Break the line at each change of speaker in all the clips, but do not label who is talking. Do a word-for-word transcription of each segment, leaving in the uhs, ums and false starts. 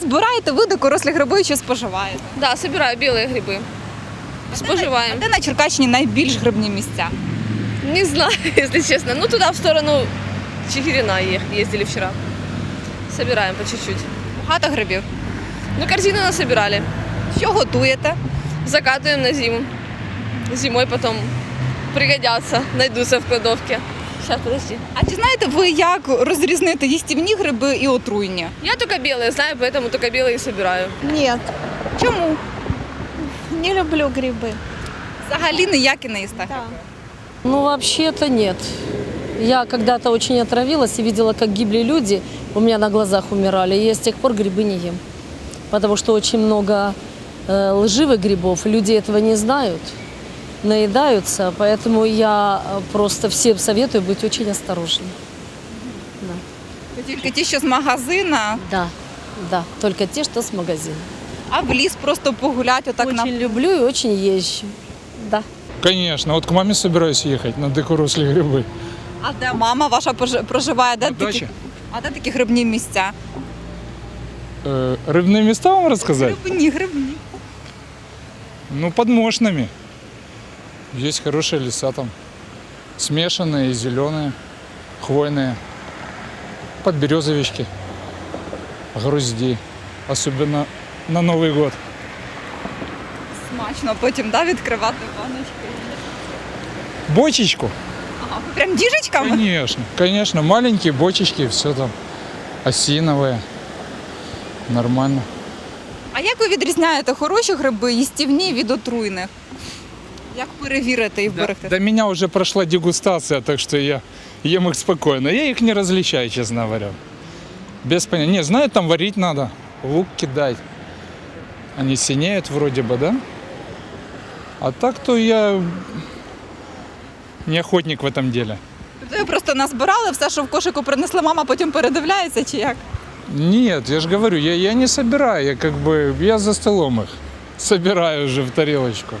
збираєте ви дикорослі гриби чи споживаєте?
Да, собираю белые грибы. Споживаем.
А де на Черкащині найбільш грибні місця?
Не знаю, если честно. Ну, туда, в сторону Чигирина е- ездили вчера. Собираем по чуть-чуть.
Багато грибів.
Ну, корзину насобирали.
Що готуєте?
Закатываем на зиму. Зимой потом пригодятся, найдутся в кладовке. Сейчас, подожди.
А чи знаєте ви, як розрізнити їстівні гриби і отруйні?
Я только белые знаю, поэтому только белые и собираю.
Нет,
Чому?
не люблю грибы.
Взагалі ніякі не їсте.
Ну, вообще-то нет. Я когда-то очень отравилась и видела, как гибли люди, у меня на глазах умирали. И я с тех пор грибы не ем. Потому что очень много э, лживых грибов, люди этого не знают, наедаются. Поэтому я э, просто всем советую быть очень осторожным. Да,
Тільки ті, що з магазина,
да, да, только те, что с магазина.
а в ліс просто погуляти отак на...
Очень люблю и очень езжу. Да.
Конечно, вот к маме собираюсь ехать на дикорослі гриби.
А де мама ваша пож- проживає? Де
На
такі...
дачі.
А де такі грибні місця?
Э, рыбные места вам рассказать?
Грибні, грибні.
Ну, под Мошнами. Есть хорошие леса там. Смешанные и зеленые, хвойные. Подберезовички, грузди. Особенно на Новый год.
Смачно потім, да, відкривати баночки.
Бочечку?
Ага, ви прям діжечками?
Конечно, конечно. Маленькие бочечки, все там осиновые. Нормально.
А як ви відрізняєте хороші гриби, їстівні від отруйних? Як перевірити і вберегти?
До меня уже прошла дегустация, так что я ем их спокойно. Я их не различаю, честно говоря. Без понятия. Не, знаю, там варить надо, лук кидать. Они синеют вроде бы, да? А так-то я не охотник в этом деле.
Тобто ви просто назбирали, все, що в кошику принесла мама, потім передивляється, чи як?
Нет, я же говорю, я, я не собираю, я как бы, я за столом их собираю уже в тарелочку.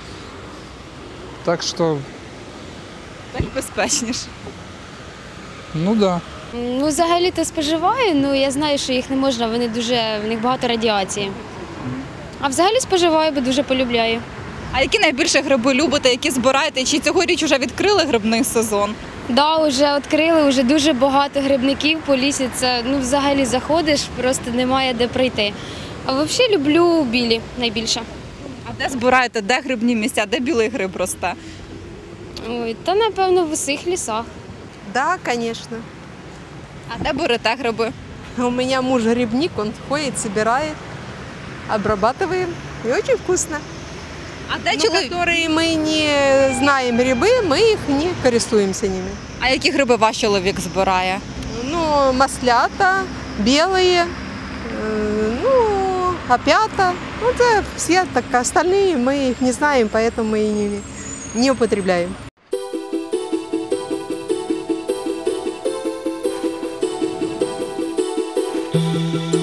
Так что,
Так безпечніше.
ну да.
Ну, взагалі-то споживаю, ну я знаю, що їх не можна, вони дуже, в них багато радіації. А взагалі споживаю, бо дуже полюбляю.
А які найбільше гриби любите, які збираєте? Чи цьогоріч вже відкрили грибний сезон?
Да, вже відкрили, вже дуже багато грибників по лісі. Це ну взагалі заходиш, просто немає де пройти. А взагалі люблю білі найбільше.
А де збираєте, де грибні місця, де білий гриб росте?
Ой, та напевно в усіх лісах.
Да, конечно.
А де берете гриби?
У меня муж грибник, он ходит, собирает, обрабатываем. И очень вкусно.
А де
Но
чоловік?
которые мы не знаем грибы, мы их не користуемся ними.
А які гриби ваш чоловік збирає?
Ну, маслята, белые, э, ну, опята. Ну, это все так, остальные мы их не знаем, поэтому мы и не, не употребляем.
Thank you.